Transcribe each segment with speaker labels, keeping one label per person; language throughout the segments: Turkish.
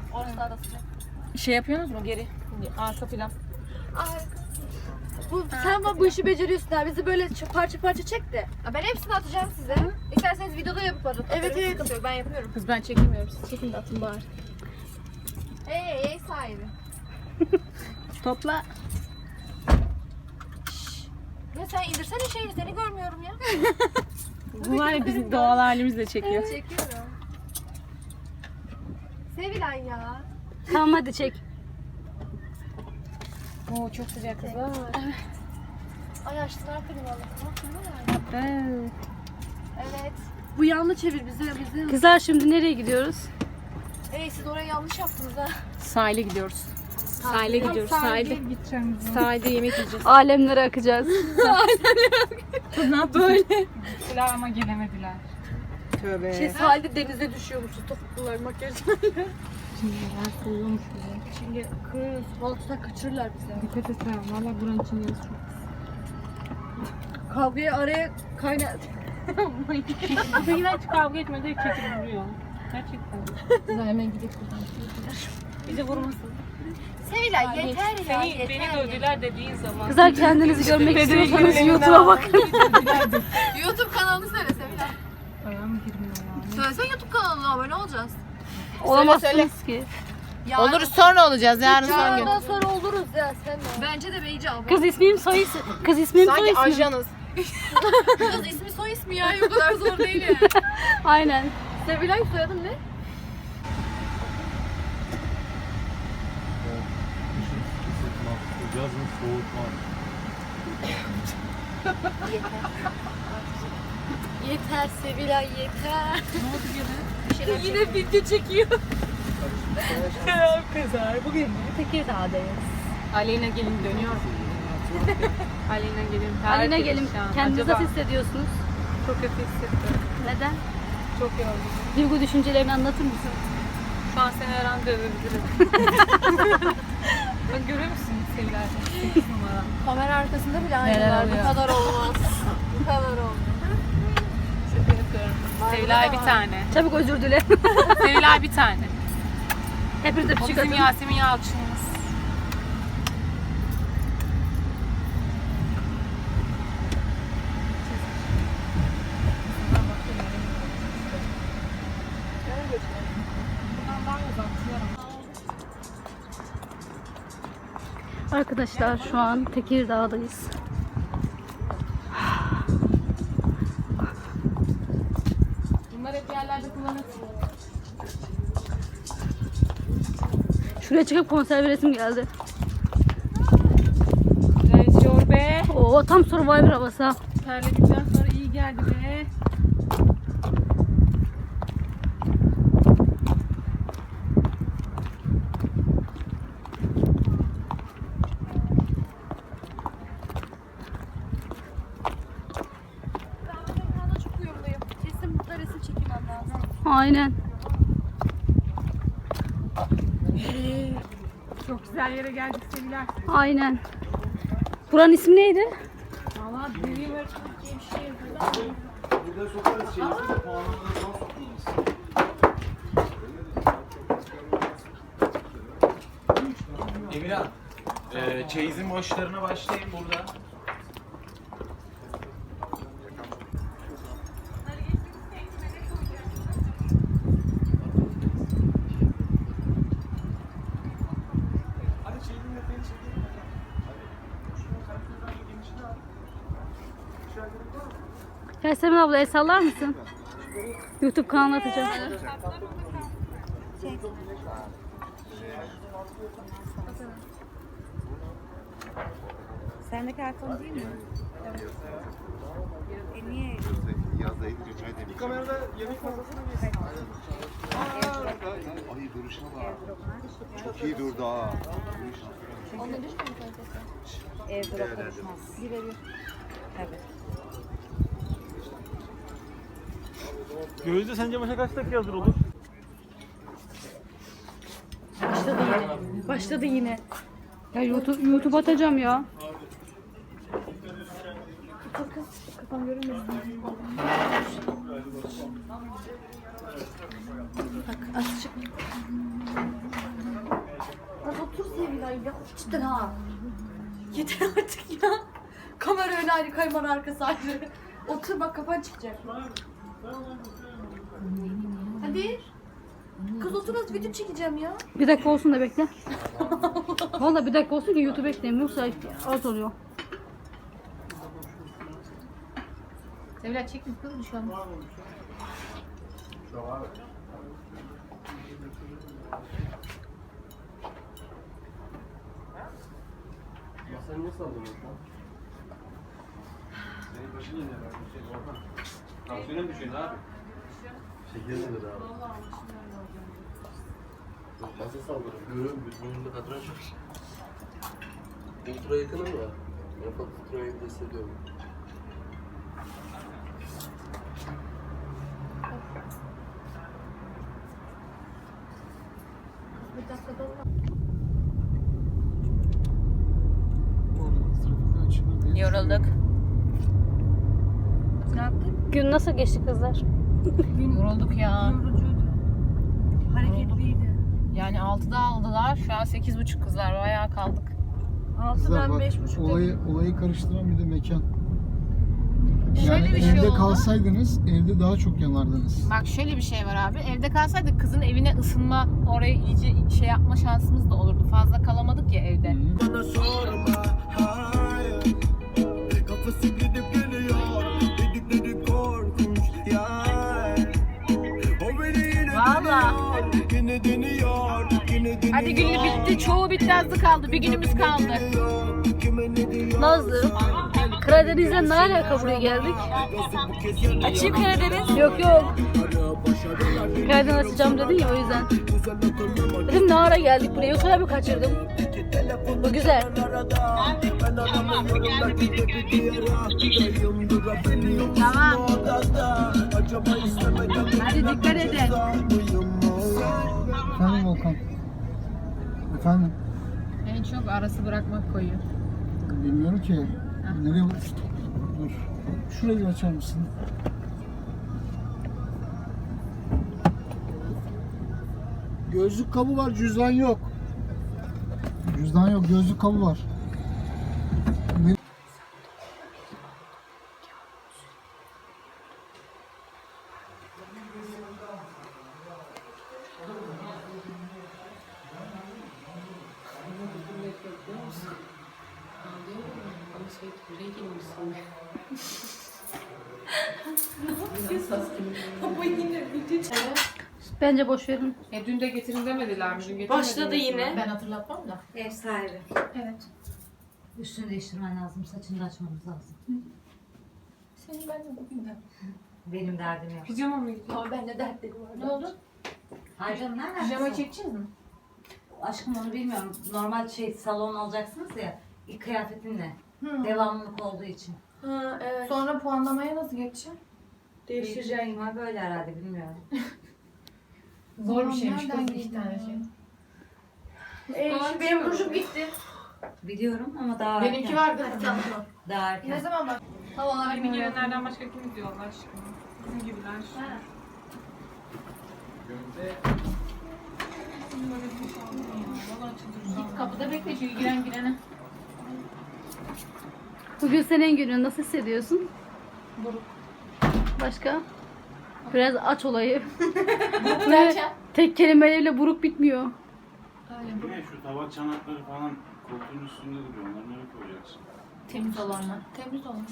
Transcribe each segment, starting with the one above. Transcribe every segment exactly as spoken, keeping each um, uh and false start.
Speaker 1: Orası da sıcak.
Speaker 2: Şey yapıyorsunuz mu geri? Arka plan.
Speaker 1: Bu, sen bak bu işi beceriyorsun ha. Bizi böyle parça parça çek de. Ben hepsini atacağım size. İsterseniz videoda yapıp atın. Evet evet. Sıkıntı yok. Ben yapıyorum.
Speaker 2: Kız ben çekemiyorum. Siz çekin de atın bari.
Speaker 1: Hey, hey sahibi.
Speaker 2: Topla.
Speaker 1: Ya sen indirsene şeyini, seni görmüyorum ya.
Speaker 2: Bu var ya bizim doğal halimizle çekiyor.
Speaker 1: Çekiyorum. Sevilay ya.
Speaker 3: Tamam hadi çek.
Speaker 2: Oo çok sıcak kızlar. Evet.
Speaker 1: Ay açtılar klimaları. Bak ne var?
Speaker 2: Evet.
Speaker 1: Evet. Bu yanlı çevir bize bize.
Speaker 3: Kızlar şimdi nereye gidiyoruz?
Speaker 1: Hey siz orayı yanlış yaptınız ha.
Speaker 2: Sahile gidiyoruz. Sahile gidiyoruz. Sahilde. Sahilde yemek yiyeceğiz.
Speaker 3: Alemlere akacağız.
Speaker 2: Kız ne yaptın? Böyle. Gittiler ama gelemediler. Tövbe.
Speaker 1: Şey sahilde denize düşüyormuşuz topuklular makyajlarla.
Speaker 2: Şimdi ben soğuyormuş bize.
Speaker 1: Şimdi kız balıkçılar kaçırırlar bizi.
Speaker 2: Dikkat et ha. Valla buranın için yazı çok.
Speaker 1: Kavgayı araya kaynar.
Speaker 2: Bizimkiler hiç kavga etmedi. Çekip vuruyor. Gerçekten.
Speaker 1: Güzel hemen gidelim buradan.
Speaker 2: Bizi vurmasın.
Speaker 1: Sevilay yeter ya
Speaker 2: Seni,
Speaker 1: yeter.
Speaker 2: beni dövdüler dediğin zaman.
Speaker 3: Kızlar kendinizi görmek istiyorsanız YouTube'a bakın.
Speaker 1: YouTube kanalını söyle Sevilay.
Speaker 2: Ayağım girmiyor ya.
Speaker 1: Söylesene YouTube kanalına abone olacağız.
Speaker 3: Olamazsınız ki.
Speaker 1: Yarın,
Speaker 4: Oluruz sonra olacağız yarın son gün.
Speaker 1: yarından sonra oluruz ya sen de. Bence de Beyci abone.
Speaker 3: Kız ismim soy ismi. Kız ismim soy
Speaker 4: Sanki
Speaker 3: ismi.
Speaker 4: ajanız.
Speaker 1: Kız ismi soy ismi ya o kadar zor değil yani.
Speaker 3: Aynen.
Speaker 1: Sevilay soyadın ne?
Speaker 5: Yazın soğutma.
Speaker 1: Yeter Sevilay yeter.
Speaker 2: Ne oldu gene?
Speaker 1: Yine video çekiyor.
Speaker 2: Kızlar bugün Tekirdağ'dayız. Aleyna gelin dönüyor. Aleyna gelin.
Speaker 3: Alina gelin.
Speaker 2: perişan.
Speaker 3: Kendinizi
Speaker 2: Acaba-
Speaker 3: nasıl hissediyorsunuz?
Speaker 2: Çok kötü hissettim.
Speaker 3: Neden?
Speaker 2: Çok yoruldum.
Speaker 3: Duygu düşüncelerini anlatır mısın?
Speaker 2: Şu an seni her an dövebilirim. Bak görüyor musun Sevilay? sekiz numara.
Speaker 1: Kamera arkasında bile
Speaker 2: Neler
Speaker 1: aynılar. Bu
Speaker 2: oluyor?
Speaker 1: kadar olmaz. Bu kadar olmaz.
Speaker 2: Şaka yapıyorum. Sevilay bir tane.
Speaker 3: Çabuk özür dile.
Speaker 2: Sevilay bir tane.
Speaker 3: Hepinize
Speaker 2: O
Speaker 3: küçük
Speaker 2: bizim
Speaker 3: atın.
Speaker 2: Yasemin Yalçın'ımız.
Speaker 3: Arkadaşlar şu an Tekirdağ'dayız.
Speaker 2: Bunlar hep yerlerde kullanırsın.
Speaker 3: Şuraya çıkıp konser veresim geldi.
Speaker 2: Güzel esiyor be.
Speaker 3: Oo tam Survivor havası. ha.
Speaker 2: Terledikten sonra iyi geldi be.
Speaker 1: Ben çok uyumluyum. Kesin burada resim çekmem lazım.
Speaker 3: Aynen.
Speaker 2: Çok güzel yere geldik Sevilay.
Speaker 3: Aynen. Buranın ismi neydi?
Speaker 2: Valla deli var diye bir şey yapıyor.
Speaker 5: Burada sokarız şeyi. Puanlarını son sokuyoruz. Emirhan, e, çeyizin boşlarına başlayın burada. Hadi çeyizin detayını çekelim. Şunu karşıdan genişini al.
Speaker 3: Yasemin abla el sallar mısın? YouTube kanalına atacağım.
Speaker 6: Sendeki iPhone değil mi? Evet. E niye?
Speaker 5: Yazdaydı geçen demiş. Kamerada yemek masasına geçsin. Ay duruşuna bak. Çok iyi durdu ha.
Speaker 1: Onda düşmüyor mu kalitesi?
Speaker 6: Airdrop konuşmaz.
Speaker 1: Birebir.
Speaker 6: Evet.
Speaker 5: Gözde sence maça kaç dakika hazır olur?
Speaker 3: Başladı yine. Başladı yine. Ya YouTube, YouTube atacağım ya.
Speaker 1: Otur kız. Kafam görünmesin. Bak azıcık. Az otur Sevilay ya. Cidden ha. Yeter artık ya. Kamera önü ayrı, kamera arkası ayrı. Otur bak, kafan çıkacak. Hadi. Kız otur, az video çekeceğim ya.
Speaker 3: Bir dakika olsun da bekle. Vallahi bir dakika olsun ki YouTube ekleyeyim. Yoksa az oluyor.
Speaker 2: Sevil çekmiş kız bir şey olmaz.
Speaker 5: Masanı nasıl aldın Orhan? Senin başın yine herhalde. Şey, Orhan. Tansiyonun düşüyor abi. Şekerin nedir abi? Nasıl saldırır? Görüyorum, burnumda katran çok. Ultra yakınım ya. En fazla ultra yakın hissediyorum.
Speaker 1: Bir dakika da
Speaker 2: Yorulduk.
Speaker 1: ne yaptın?
Speaker 3: Gün nasıl geçti kızlar?
Speaker 2: Yorulduk ya.
Speaker 1: Yorucuydu. Hareketliydi.
Speaker 2: Yani altıda aldılar. Şu an sekiz buçuk kızlar. Bayağı kaldık.
Speaker 6: Kızlar
Speaker 1: Altıdan
Speaker 6: bak,
Speaker 1: beş buçuk
Speaker 6: olayı, olayı karıştıran bir de mekan.
Speaker 2: Şöyle
Speaker 6: Yani
Speaker 2: bir şey
Speaker 6: evde
Speaker 2: oldu.
Speaker 6: kalsaydınız evde daha çok yanardınız.
Speaker 2: Bak şöyle bir şey var abi. Evde kalsaydık kızın evine ısınma, orayı iyice şey yapma şansımız da olurdu. Fazla kalamadık ya evde.
Speaker 4: Bana sorma hayır. Kafası gidip geliyor. Dedikleri korkunç ya. O beni yine
Speaker 2: Valla.
Speaker 4: deniyor. Yine deniyor. Yine deniyor.
Speaker 2: Hadi günü bitti. Çoğu bitti, azı kaldı. Bir günümüz kaldı.
Speaker 4: Kime ne diyor?
Speaker 3: Nazlı, Karadeniz'den ne alaka buraya geldik?
Speaker 2: Açayım Karadeniz.
Speaker 3: Yok yok. Karadeniz açacağım dedin ya, o yüzden. Dedim ne ara geldik buraya, yoksa ben mi kaçırdım? Bu güzel.
Speaker 2: Tamam. Hadi dikkat edin.
Speaker 6: Efendim Volkan. Efendim.
Speaker 2: En çok arası bırakmak koyuyor.
Speaker 6: Bilmiyorum ki. Nereye... Dur. Şurayı bir açar mısın? Gözlük kabı var, cüzdan yok. Cüzdan yok, gözlük kabı var. Ne-
Speaker 3: Bence boş verin.
Speaker 2: E dün de getirin demediler mi? Dün getirmediler
Speaker 1: Başladı
Speaker 2: mi?
Speaker 1: yine.
Speaker 2: Ben hatırlatmam da.
Speaker 7: Ev sahibi.
Speaker 2: Evet.
Speaker 7: Üstünü değiştirmen lazım, saçını da açmamız lazım.
Speaker 2: Senin ben de bugün de.
Speaker 7: Benim derdim yok.
Speaker 2: Pijama mı gidiyor?
Speaker 1: Ama ben de dertlerim var.
Speaker 2: Ne oldu?
Speaker 7: Hayır canım, nereden?
Speaker 2: Pijama
Speaker 7: kızım?
Speaker 2: çekeceğiz mi?
Speaker 7: Aşkım onu bilmiyorum. Normal şey salon alacaksınız ya. İlk kıyafetinle. Devamlılık olduğu için.
Speaker 1: Ha evet.
Speaker 2: Sonra puanlamaya nasıl geçeceğim?
Speaker 1: Değiştireceğim.
Speaker 7: Var böyle herhalde, bilmiyorum.
Speaker 2: Zor bir şeymiş kız iki tane şey.
Speaker 1: Ee, şimdi benim rujum gitti.
Speaker 7: Biliyorum ama daha
Speaker 2: Benimki
Speaker 7: erken.
Speaker 2: vardı.
Speaker 1: Hadi tamam.
Speaker 7: Daha erken.
Speaker 2: Ne zaman bak?
Speaker 1: Havalar
Speaker 2: Benim gelenlerden başka kim izliyor Allah aşkına? Bizim gibiler. Git kapıda bekle şu giren girene.
Speaker 3: Bugün senin günün, nasıl hissediyorsun?
Speaker 2: Buruk.
Speaker 3: Başka? Biraz aç olayı.
Speaker 2: Derken?
Speaker 3: Tek kelimeyle buruk bitmiyor.
Speaker 2: Öyle buruk.
Speaker 5: Ne şu tabak çanakları falan koltuğun üstünde duruyor. Onları nereye koyacaksın?
Speaker 2: Temiz olanlar. Temiz olanlar.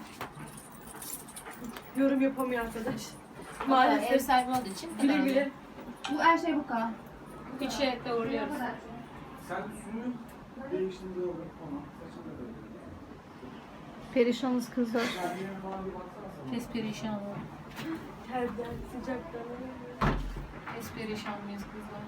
Speaker 1: yorum yapamıyor arkadaş.
Speaker 2: Maalesef ev sahibi olduğu için.
Speaker 1: Güle güle.
Speaker 2: Bu her şey bu kadar. Hiç şey doğruyoruz.
Speaker 5: Sen üstünü değiştirdiğinde olur. Tamam. Saçını da böyle.
Speaker 3: Perişanız kızlar.
Speaker 2: Pes perişan ol.
Speaker 1: Terden, sıcaktan.
Speaker 2: Pes perişan mıyız kızlar?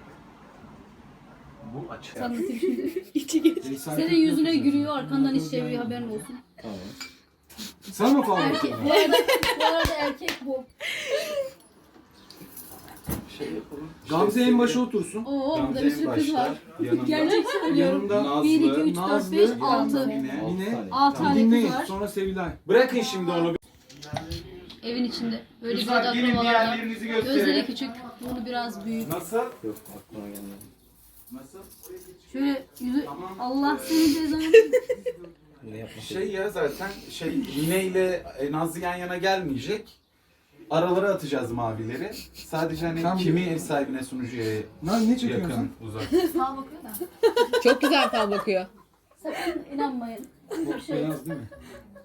Speaker 5: Bu açık.
Speaker 3: Tanıtayım şimdi. Senin yüzüne gülüyor, arkandan iş çeviriyor, haberin olsun.
Speaker 5: Sen mi falan?
Speaker 3: Erkek. Bu arada, bu arada erkek bu.
Speaker 5: Şey yapalım.
Speaker 8: Gamze en başa otursun.
Speaker 3: Oo, burada
Speaker 5: Gamze
Speaker 3: bir
Speaker 5: en
Speaker 3: sürpriz
Speaker 5: başta,
Speaker 3: var.
Speaker 5: yanında.
Speaker 3: Gerçek söylüyorum.
Speaker 8: Yanında
Speaker 3: bir, iki, üç, dört,
Speaker 8: Nazlı,
Speaker 3: beş, altı.
Speaker 8: Mine, Mine.
Speaker 3: Altı tane
Speaker 8: Dinleyin.
Speaker 3: kız var.
Speaker 8: Sonra Sevilay. Bırakın şimdi onu.
Speaker 3: Evin içinde. Böyle bir
Speaker 8: Kızlar
Speaker 3: oda
Speaker 8: gelin
Speaker 3: provalarda.
Speaker 8: diğerlerinizi gösterin.
Speaker 3: Gözleri küçük, bunu biraz büyük.
Speaker 8: Nasıl?
Speaker 5: Yok aklıma gelmedi.
Speaker 8: Nasıl?
Speaker 3: Şöyle yüzü,
Speaker 8: Tamam.
Speaker 3: Allah seni cezanı.
Speaker 5: Bunu yapma.
Speaker 8: Şey ya zaten şey Mine ile e, Nazlı yan yana gelmeyecek. Aralara atacağız mavileri. Sadece hani
Speaker 6: Sen-
Speaker 8: kimi ev sahibine sunucuya
Speaker 6: Lan ne çekiyorsun?
Speaker 8: yakın uzak.
Speaker 1: Sağa bakıyor da.
Speaker 2: Çok güzel fal bakıyor.
Speaker 3: Sakın inanmayın. Bir şey yok.
Speaker 6: Beyaz değil mi?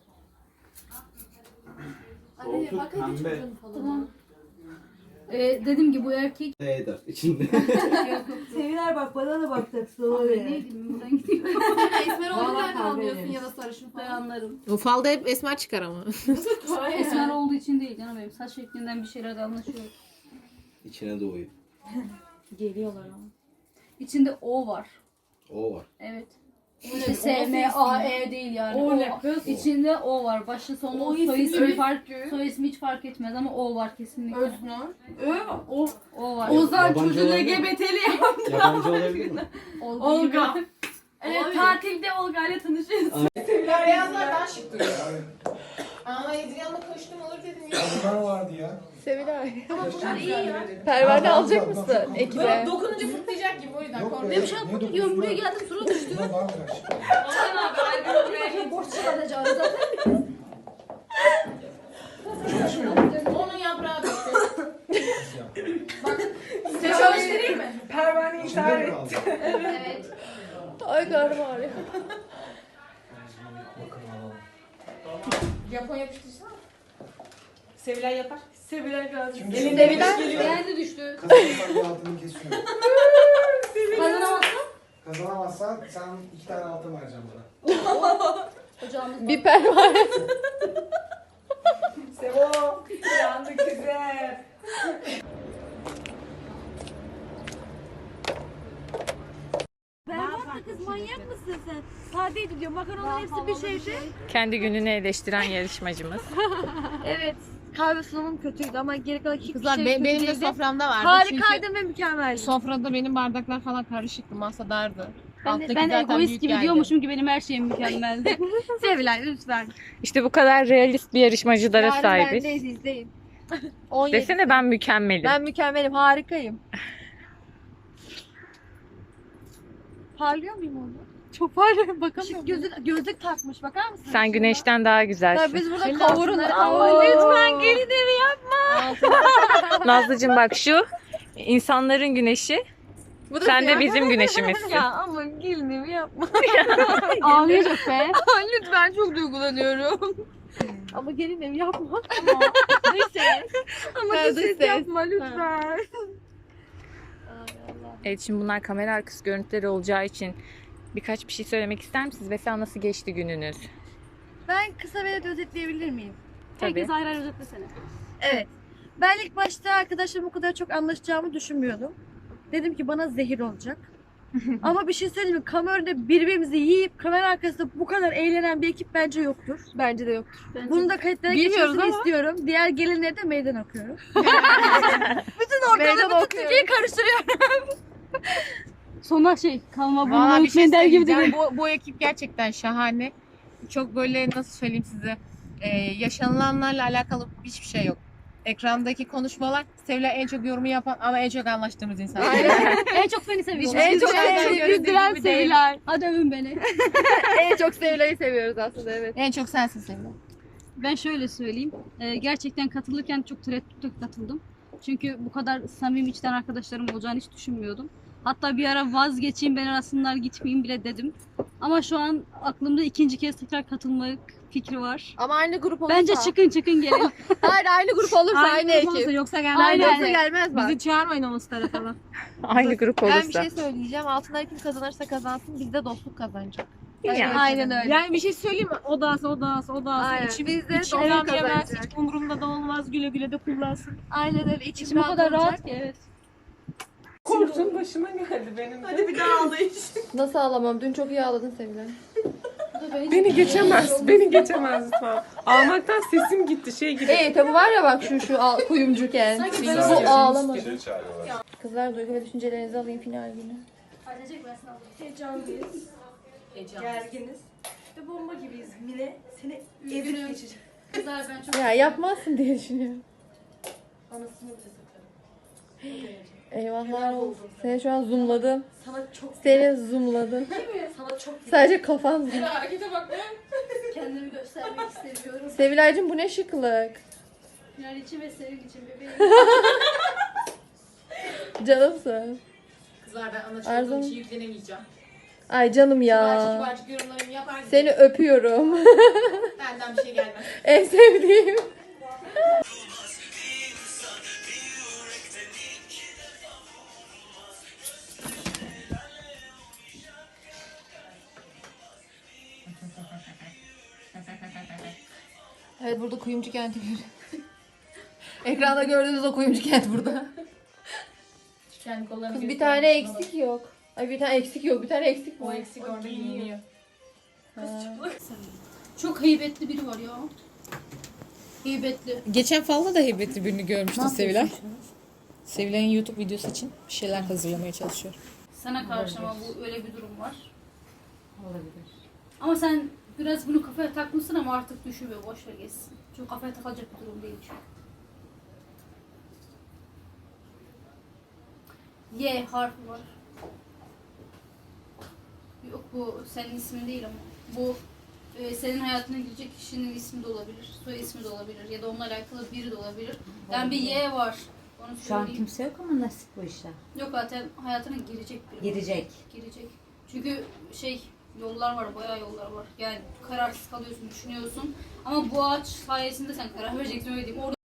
Speaker 1: Anne
Speaker 8: Koltuk
Speaker 1: bak hadi
Speaker 8: pembe.
Speaker 1: çocuğun falan.
Speaker 3: Tamam. Ee, dediğim gibi bu erkek
Speaker 5: Ne eder içinde?
Speaker 7: Seviler bak bana da bakacaksın.
Speaker 3: Abi neydi buradan gidiyor.
Speaker 1: Esmer olduğunu nereden anlıyorsun ya da sarışın
Speaker 3: Ben
Speaker 1: falan.
Speaker 3: anlarım.
Speaker 2: O falda hep esmer çıkar ama.
Speaker 3: Esmer olduğu için değil canım benim. Saç şeklinden bir şeyler de anlaşıyor.
Speaker 5: İçine doğuyor.
Speaker 3: Geliyorlar ama. İçinde O var.
Speaker 5: O var.
Speaker 3: Evet.
Speaker 1: O
Speaker 3: İşte
Speaker 1: ne?
Speaker 3: S, M, A, E değil yani.
Speaker 1: O ne
Speaker 3: O.
Speaker 1: kız?
Speaker 3: İçinde O var. Başı sonu
Speaker 1: O
Speaker 3: soy
Speaker 1: ismi
Speaker 3: ismi
Speaker 1: mi?
Speaker 3: fark soy ismi hiç fark etmez ama O var kesinlikle.
Speaker 1: Öznur. Ö. O.
Speaker 3: O var.
Speaker 1: Ozan
Speaker 5: Yabancı
Speaker 1: çocuğu
Speaker 5: olabilir mi?
Speaker 1: L G B T'li ya.
Speaker 5: Yabancı olabilir mi?
Speaker 3: Olga.
Speaker 1: Olga.
Speaker 3: gibi.
Speaker 1: Evet
Speaker 3: Olabilir.
Speaker 1: tatilde Olga ile tanışıyoruz.
Speaker 2: Beyazlar daha şık duruyor. Aa Ezgi'yle koştum olur dedim ya.
Speaker 6: Bunlar vardı ya.
Speaker 2: Sevilay.
Speaker 1: Bunlar iyi ya.
Speaker 2: Pervane alacak
Speaker 6: Bak, bak,
Speaker 2: mısın
Speaker 6: bak.
Speaker 2: ekibe?
Speaker 1: Dokununca fırtlayacak gibi o yüzden
Speaker 6: Yok
Speaker 1: korktum.
Speaker 6: be,
Speaker 3: Benim şu an
Speaker 6: ne
Speaker 3: kutu
Speaker 6: dokuzu
Speaker 3: diyorum buraya
Speaker 6: lan?
Speaker 3: geldim sıra düştü.
Speaker 6: Bunlar daha güzel.
Speaker 3: Borç çıkartacağım zaten.
Speaker 1: Onun yaprağı düştü. Bak size çalıştırayım mı? Pervaneyi
Speaker 6: İçinde mi kaldı?
Speaker 1: Evet.
Speaker 2: Ay karnım ağrıyor.
Speaker 1: Japon yapıştırsana. Sevilay yapar. Sevilay kaldı.
Speaker 6: Şimdi
Speaker 1: Elinde bir
Speaker 3: Beğendi düştü.
Speaker 6: Kazanırsan bir altını kesiyorum.
Speaker 3: Kazanamazsın.
Speaker 6: Kazanamazsan sen iki tane altın vereceğim bana.
Speaker 3: Ocağımız
Speaker 2: Bir pervane.
Speaker 1: Sevo. Yandık güzel.
Speaker 7: Berbat kız manyak mısın sen? Sadeydi diyor makaronun hepsi bir şeydi.
Speaker 2: Kendi gününü eleştiren yarışmacımız.
Speaker 1: Evet. Kahve sunumum kötüydü ama geri kalan hiçbir
Speaker 2: Kızlar
Speaker 1: şey
Speaker 2: be-
Speaker 1: kötü
Speaker 2: benim de
Speaker 1: değildi.
Speaker 2: soframda vardı.
Speaker 1: Harikaydı ve mükemmeldi.
Speaker 2: Çünkü sofrada benim bardaklar falan karışıktı. Masa dardı.
Speaker 3: Ben,
Speaker 2: Alttaki
Speaker 3: ben
Speaker 2: zaten
Speaker 3: egoist
Speaker 2: büyük
Speaker 3: gibi
Speaker 2: geldi.
Speaker 3: diyormuşum ki benim her şeyim mükemmeldi.
Speaker 1: Sevilay lütfen.
Speaker 2: İşte bu kadar realist bir yarışmacılara
Speaker 1: Yarın
Speaker 2: sahibiz.
Speaker 1: bendeyiz izleyin. on yedi.
Speaker 2: Desene ben mükemmelim.
Speaker 1: Ben mükemmelim, harikayım. Parlıyor muyum orada? Çok parlıyorum, bakamıyorum. Gözlük, gözlük takmış, bakar mısın?
Speaker 2: Sen güneşten daha
Speaker 1: Ya
Speaker 2: güzelsin.
Speaker 1: biz burada
Speaker 3: Senin
Speaker 1: kavurun.
Speaker 3: altınları-
Speaker 1: Ama
Speaker 3: Oo.
Speaker 1: lütfen gelin evi yapma.
Speaker 2: Nazlıcığım bak şu insanların güneşi.
Speaker 1: Bu da
Speaker 2: Sen de
Speaker 1: siyah.
Speaker 2: bizim güneşimizsin.
Speaker 1: Ya ama gelin evi yapma.
Speaker 3: Ağlayacak be.
Speaker 1: Lütfen çok duygulanıyorum. Ama gelin evi yapma. Neyse. Ama
Speaker 2: Ben
Speaker 1: bu
Speaker 2: de
Speaker 1: ses
Speaker 2: ses.
Speaker 1: yapma lütfen.
Speaker 2: Evet şimdi bunlar kamera arkası görüntüleri olacağı için birkaç bir şey söylemek ister misiniz? Mesela nasıl geçti gününüz?
Speaker 1: Ben kısa ve özetleyebilir miyim?
Speaker 2: Tabii.
Speaker 3: Herkes ayrı ayrı özetlesene.
Speaker 1: Evet. Ben ilk başta arkadaşlarım o kadar çok anlaşacağımı düşünmüyordum. Dedim ki bana zehir olacak. Ama bir şey söyleyeyim mi? Kamerada birbirimizi yiyip kamera arkasında bu kadar eğlenen bir ekip bence yoktur. Bence de yoktur. Bunu da kayıtlara
Speaker 2: Bilmiyoruz
Speaker 1: geçmesini
Speaker 2: ama.
Speaker 1: istiyorum. Diğer gelinlere de meydan okuyorum. bütün ortalığı, bütün Türkiye'yi karıştırıyorum.
Speaker 3: Sonra şey kalma
Speaker 2: Valla
Speaker 3: burnuna
Speaker 2: bir şey
Speaker 3: hükmen der gibi
Speaker 2: söyleyeceğim.
Speaker 3: değil.
Speaker 2: Bu, bu ekip gerçekten şahane. Çok böyle nasıl söyleyeyim size e, yaşanılanlarla alakalı hiçbir şey yok. Ekrandaki konuşmalar Sevilay en çok yorumu yapan ama en çok anlaştığımız insan.
Speaker 3: En çok seni seviyorum.
Speaker 1: En çok
Speaker 2: Dışarıdan
Speaker 1: sevdiğim
Speaker 2: göründüğü
Speaker 1: güldüren
Speaker 2: gibi değil.
Speaker 1: Sevilay.
Speaker 3: Hadi övün beni.
Speaker 1: En çok Sevilay'ı seviyoruz aslında, evet.
Speaker 2: En çok sensin Sevilay.
Speaker 3: Ben şöyle söyleyeyim. Ee, gerçekten katılırken çok tereddütle katıldım. Çünkü bu kadar samimi içten arkadaşlarım olacağını hiç düşünmüyordum. Hatta bir ara vazgeçeyim ben arasınlar gitmeyeyim bile dedim. Ama şu an aklımda ikinci kez tekrar katılmak fikri var.
Speaker 1: Ama aynı grup olursa.
Speaker 3: Bence çıkın çıkın gelin.
Speaker 1: Hayır, aynı grup olursa aynı,
Speaker 3: grup olursa
Speaker 1: ekip.
Speaker 3: yoksa gelmez.
Speaker 1: Aynı
Speaker 3: Aynen.
Speaker 1: olursa gelmez bak.
Speaker 2: Bizi çağırmayın o tarafa. Aynı grup olursa.
Speaker 1: Ben bir şey söyleyeceğim. Altınlar kim kazanırsa kazansın, biz de dostluk kazanacak.
Speaker 2: Yani.
Speaker 1: Aynen öyle.
Speaker 2: Yani bir şey söyleyeyim mi? O da alsın, o da alsın, o da alsın.
Speaker 1: Aynen.
Speaker 2: İçim,
Speaker 1: Biz de
Speaker 2: içim
Speaker 1: dostluk
Speaker 2: rahat yemez,
Speaker 1: kazanacak.
Speaker 2: hiç umurumda da olmaz. Güle güle de kullansın.
Speaker 1: Aynen öyle. İçim,
Speaker 3: İçim o
Speaker 1: rahat
Speaker 3: kadar
Speaker 1: olacak.
Speaker 3: rahat ki evet.
Speaker 2: Korktum başıma geldi benim de.
Speaker 1: Nasıl ağlamam? Dün çok iyi ağladın Sevilay.
Speaker 2: Beni geçemez. Beni geçemez lütfen. Ağlamaktan sesim gitti. Şey gibi.
Speaker 1: Ee tabi var ya bak şu şu al, kuyumcu kent. Bu ağlama. Kızlar duygu ve düşüncelerinizi alayım final günü.
Speaker 9: Heyecanlıyız. Gerginiz. Ve bomba gibiyiz. Mine seni evirip geçecek.
Speaker 3: Kızlar ben çok
Speaker 1: Ya yapmazsın diye düşünüyorum.
Speaker 9: Anasını bile satarım.
Speaker 1: Eyvahlar olsun. Seni şu an zoomladım.
Speaker 9: Sana çok
Speaker 1: Seni zoomladım.
Speaker 9: sana çok
Speaker 1: Sadece kafan zoom.
Speaker 9: kendimi göstermek istemiyorum.
Speaker 1: Sevilaycığım bu ne şıklık.
Speaker 3: final için ve senin için bebeğim.
Speaker 1: Canımsın.
Speaker 2: Kızlar ben ana
Speaker 1: Arzu.
Speaker 2: olduğum için yüklenemeyeceğim.
Speaker 1: Ay canım
Speaker 2: Kibarcık
Speaker 1: ya.
Speaker 2: kibarcık yorumlarımı yapar.
Speaker 1: Seni öpüyorum.
Speaker 2: Benden bir şey gelmez.
Speaker 1: En sevdiğim. Evet burada kuyumcu kenti görüyoruz. Ekranda gördüğünüz o kuyumcu kent burada.
Speaker 2: Kendi kollarını
Speaker 1: Kız bir
Speaker 2: göstereyim.
Speaker 1: tane eksik yok. Ay bir tane eksik yok. Bir tane eksik
Speaker 2: O
Speaker 1: var.
Speaker 2: eksik orada giyiniyor.
Speaker 3: Çok heybetli biri var ya. Heybetli.
Speaker 2: Geçen falda da heybetli birini görmüştüm Sevilay. Sevilay'ın YouTube videosu için bir şeyler hazırlamaya çalışıyor.
Speaker 3: Sana karşı ama bu öyle bir durum var.
Speaker 7: Olabilir.
Speaker 3: Ama sen biraz bunu kafaya takmışsın ama artık düşüyor. Boş ver geçsin. Çünkü kafaya takılacak bir durum değil çünkü. Y harfi var. Yok bu senin ismin değil ama. Bu e, senin hayatına girecek kişinin ismi de olabilir. Soy ismi de olabilir. Ya da onunla alakalı biri de olabilir. Yani bir Y var. Onu
Speaker 7: Şu an
Speaker 3: söyleyeyim.
Speaker 7: kimse yok ama nasip bu işler.
Speaker 3: Yok zaten hayatına girecek biri. var.
Speaker 7: Girecek.
Speaker 3: Girecek. Çünkü şey yollar var, bayağı yollar var. Yani kararsız kalıyorsun, düşünüyorsun. Ama bu ağaç sayesinde sen karar vereceksin öyle diyeyim. Orada